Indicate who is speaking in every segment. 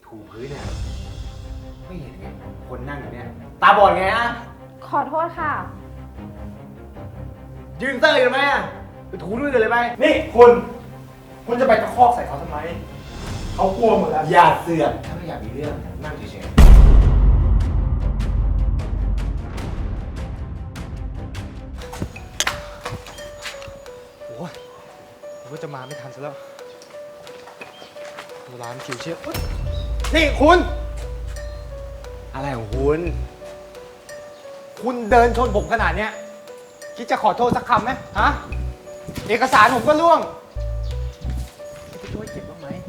Speaker 1: ถูพื้นเนี่ยไม่เห็นไงคนนั่งอยู่เนี่ยตาบอดไงอะ
Speaker 2: ขอโทษค่ะ
Speaker 1: ยืนเตอร์อยู่ไหมอะไปถูด้วยกันเลยไหม
Speaker 3: นี่คุณจะไปตะคอกใส่เขาทำไมเขากลัวหมดแล้ว
Speaker 1: อย่าเสือกถ้าไม่อยากมีเรื่องนั่งเฉย
Speaker 3: โอ้ยผมก็จะมาไม่ทันซะแล้วร้านคิวเชียบนี่คุณ
Speaker 1: ๆอะไรของคุณ
Speaker 3: เดินชนผมขนาดเนี้ยคิดจะขอโทษสักคำไหมฮะเอกสารผมก็ล่วงคิดจะช่วยเก็บบ้างไหม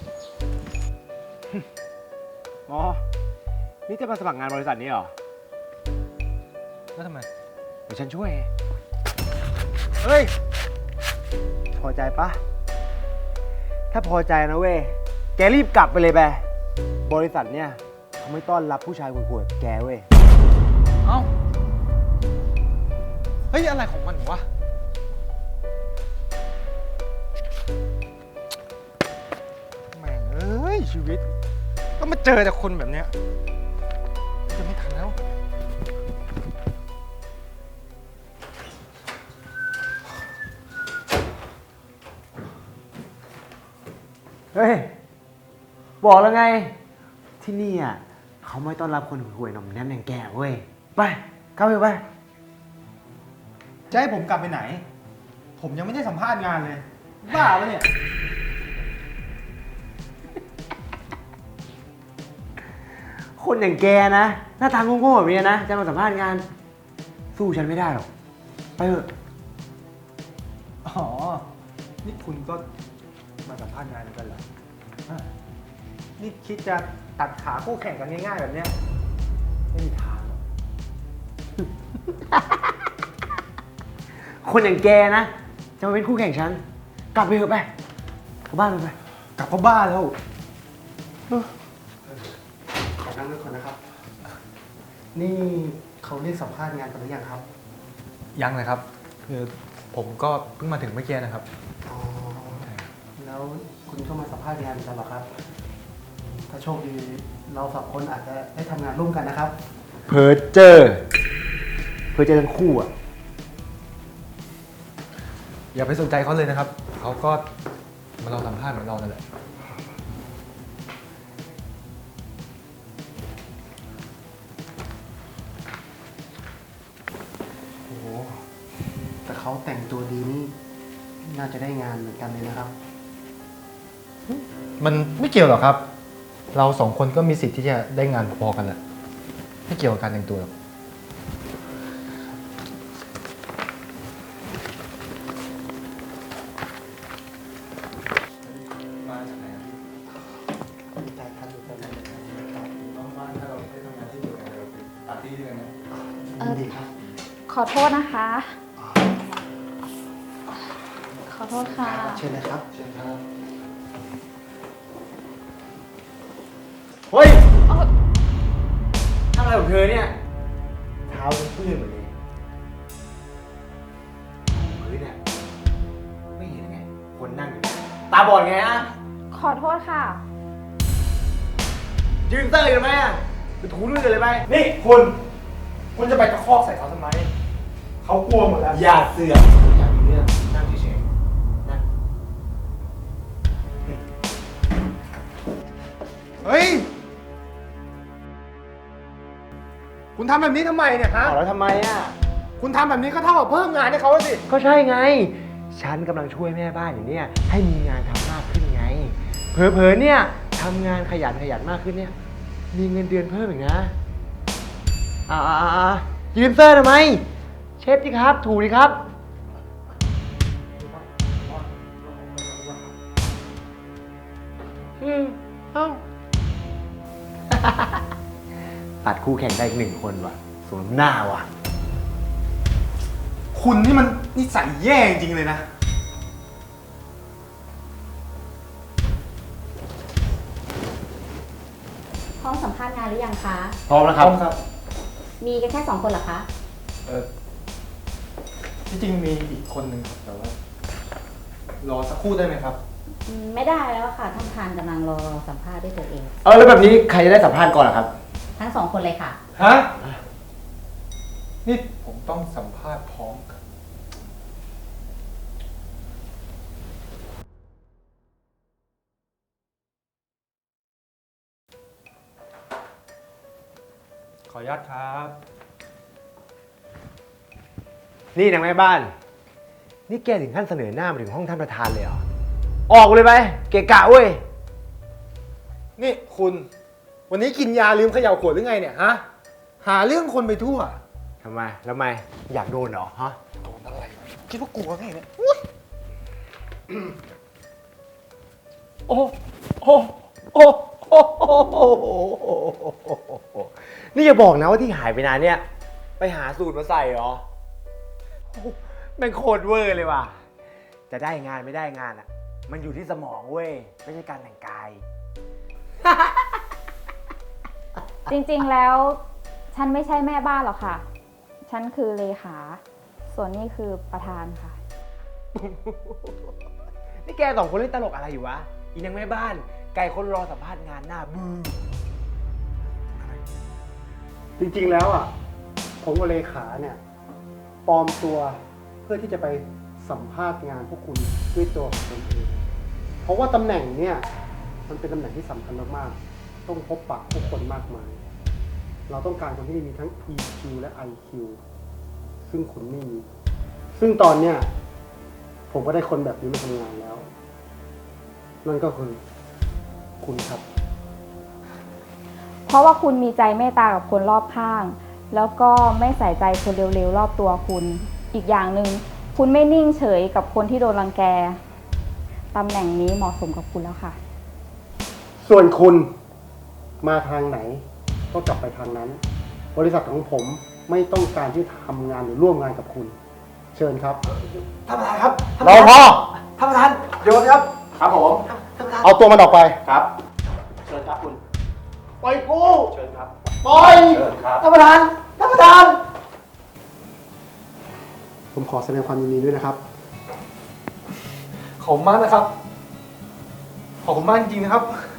Speaker 1: อ๋อนี่จะมาสมัครงานบริษัทนี้เหรอ
Speaker 3: แล้วทำไม
Speaker 1: เดี๋ยวฉันช่วย
Speaker 3: เฮ้ย
Speaker 1: พอใจปะถ้าพอใจนะเว้ยแกรีบกลับไปเลยไปบริษัทเนี่ยเขาไม่ต้อนรับผู้ชายขวดๆแกเว้ย
Speaker 3: เอ้าเฮ้ยอะไรของมันวะแม่งเอ้ยชีวิตก็มาเจอแต่คนแบบเนี้ยจะไม่ทันแล้ว
Speaker 1: เฮ้ยบอกแล้วไงที่นี่อ่ะเขาไม่ต้อนรับคนห่วยๆหน่อมแนมอย่างแกเว้ยไปเข้าไปไป
Speaker 3: จะให้ผมกลับไปไหนผมยังไม่ได้สัมภาษณ์งานเลยบ้าปะเนี่ย
Speaker 1: คนอย่างแกนะหน้าตาโง่ๆแบบนี้นะจะมาสัมภาษณ์งานสู้ฉันไม่ได้หรอกไปเถอะ
Speaker 3: อ๋อนี่คุณก็มาสัมภาษณ์งานเหมือนกันเหรออ่ะนี่คิดจะตัดขาคู่แข่งกันง่ายๆแบบเนี้ยไม่มีทางหรอก
Speaker 1: คนอย่างแกนะจะมาเป็นคู่แข่งฉันกลับไปเถอะไปกลับบ้านไป
Speaker 3: กลับเข้าบ้านแล้ว
Speaker 4: ขอนั่งด้วยคนนะครับ นี่เขาเรียกสัมภาษณ์งานกันหรือยังครับ
Speaker 3: ยังเลยครับคือผมก็เพิ่งมาถึงเมื่อกี้นะครับ
Speaker 4: อ๋อ แล้วคุณก็มาสัมภาษณ์งานกันเหรอครับ ถ้าโชคดีเราสองคนอาจจะได้ทำงานร่วมกันนะครับ
Speaker 1: เพอเจอทั้งคู่อ่ะ
Speaker 3: อย่าไปสนใจเขาเลยนะครับเขาก็มาเราสัมภาษณ์เหมือนเรานั่นแหละ
Speaker 4: โอ้โห แต่เขาแต่งตัวดีนี่น่าจะได้งานเหมือนกันเลยนะครับ
Speaker 3: มันไม่เกี่ยวหรอกครับ เราสองคนก็มีสิทธิ์ที่จะได้งานพอๆกันแหละไม่เกี่ยวกับการแต่งตัวหรอกมาจากไหนครับพี่
Speaker 4: ดีใจครับดีใจมากเลยครับ
Speaker 3: น้องว่าถ้าเราได้ทำงานที่เดียวกันเราเป็นปาร์ตี้ด้วยกันไหม
Speaker 4: ยินดีครับ
Speaker 2: ขอโทษนะคะ ขอโทษค่ะ
Speaker 4: เชิญเลยครับ
Speaker 3: เชิญครับ
Speaker 1: เฮ้ยทำอะไรของเธอเนี่ยเท้าเป็นเปื้อนหมดเลยพื้นเนี่ยไม่เห็นไงคนนั่งอยู่เนี่ยตาบอดไงอะ
Speaker 2: ขอโทษค่ะ
Speaker 1: ยืนเตอร์อยู่ไหมอะไปถูด้วยกันเลยไหม
Speaker 3: นี่คุณจะไปตะคอกใส่เขาทำไมเขากลัวหมดแล้ว
Speaker 1: อย่าเสือกอยากมีเรื่องนั่งเฉยๆนั่ง
Speaker 3: เฮ้ยคุณทำแบบนี้ทำไมเนี่ยฮะ
Speaker 1: เอาแล้วทำไมอะ
Speaker 3: คุณทำแบบนี้ก็เท่ากับเพิ่มงานให้เขาสิ
Speaker 1: ก็ใช่ไง ฉันกำลังช่วยแม่บ้านอย่างเนี้ยให้มีงานทำมากขึ้นไง เผลอๆเนี่ยทำงานขยันมากขึ้นเนี่ย มีเงินเดือนเพิ่มอีกนะยืนเซอร์ทำไม เช็ดดิครับ ถูดิครับ เอ้า ตัดคู่แข่งได้อีก1 คนว่ะสมหน้าว่ะ
Speaker 3: คุณนี่มันนิสัยแย่จริงๆเลยนะ
Speaker 5: พร้อมสัมภาษณ์งานหรือยังคะ
Speaker 1: พร้อมแล้วครับ
Speaker 5: มีกันแค่2 คนเหรอคะ
Speaker 3: ที่จริงมีอีกคนหนึ่งครับแต่ว่ารอสักครู่ได้ไหมครับ
Speaker 5: ไม่ได้แล้วค่ะ ท่านประธานกำลังรอสัมภาษณ์ด้วยตัวเอง
Speaker 1: แล้วแบบนี้ใครจะได้สัมภาษณ์ก่อนล่ะครับ
Speaker 5: ทั้งสองคนเลยค่ะ
Speaker 3: ฮะ นี่ผมต้องสัมภาษณ์พร้อมกัน ขออนุญาตครับ
Speaker 1: นี่นางแม่บ้าน นี่แกถึงขั้นเสนอหน้ามาถึงห้องท่านประธานเลยเหรอ ออกเลยไป เกะกะเว้ย
Speaker 3: นี่คุณ วันนี้กินยาลืมเขย่าขวดหรือไงเนี่ยฮะ หาเรื่องคนไปทั่ว
Speaker 1: ทำไม แล้วทำไม อยากโดนเหรอ ฮะ
Speaker 3: โดนอะไร คิดว่ากลัวไงเนี่ย
Speaker 1: โอ้โอ้โอ้โอ้โอ้โอ้นี่อย่าบอกนะว่าที่หายไปนานเนี่ย ไปหาสูตรมาใส่เหรอโอ้แม่งโคตรเวอร์เลยว่ะ จะได้งานไม่ได้งานอ่ะ มันอยู่ที่สมองเว้ย ไม่ใช่การแต่งกาย
Speaker 2: จริงๆ แล้ว ฉันไม่ใช่แม่บ้านหรอกค่ะ ฉันคือเลขา ส่วนนี้คือประธานค่ะ
Speaker 1: นี่แกสองคนเล่นตลกอะไรอยู่วะ อีนางแม่บ้าน ไก่คนรอสัมภาษณ์งานหน้าบื้อ
Speaker 4: จริงๆแล้วอ่ะ ผมกับเลขาเนี่ยปลอมตัวเพื่อที่จะไปสัมภาษณ์งานพวกคุณด้วยตัวของตนเองเพราะว่าตำแหน่งเนี่ยมันเป็นตำแหน่งที่สำคัญมากๆต้องพบปะผู้คนมากมาย เราต้องการคนที่มีทั้ง EQ และ IQ ซึ่งคุณไม่มี ซึ่งตอนเนี้ยผมก็ได้คนแบบนี้มาทำงานแล้ว นั่นก็คือคุณครับ
Speaker 2: เพราะว่าคุณมีใจเมตตากับคนรอบข้าง แล้วก็ไม่ใส่ใจคนเร็วๆรอบตัวคุณ อีกอย่างหนึ่งคุณไม่นิ่งเฉยกับคนที่โดนรังแก ตำแหน่งนี้เหมาะสมกับคุณแล้วค่ะ
Speaker 4: ส่วนคุณมาทางไหนก็กลับไปทางนั้น บริษัทของผมไม่ต้องการที่ทำงานหรือร่วมงานกับคุณ เชิญครับ
Speaker 1: ท่านประธานครับ
Speaker 4: รอพอ
Speaker 1: ท่านประธานเดี๋ยวครับ
Speaker 4: ครับผม
Speaker 1: ท่านประธาน
Speaker 4: เอาตัวมันออกไป
Speaker 3: ครับ
Speaker 4: เชิญครับคุณ ปล่อยกู
Speaker 3: เชิญครับ
Speaker 4: ปล่อย
Speaker 3: เชิญครับ
Speaker 1: ท่านประธาน ท่านประธาน
Speaker 4: ผมขอแสดงความยินดีด้วยนะครับ
Speaker 3: ขอบคุณมากนะครับ ขอบคุณมากจริงๆนะครับ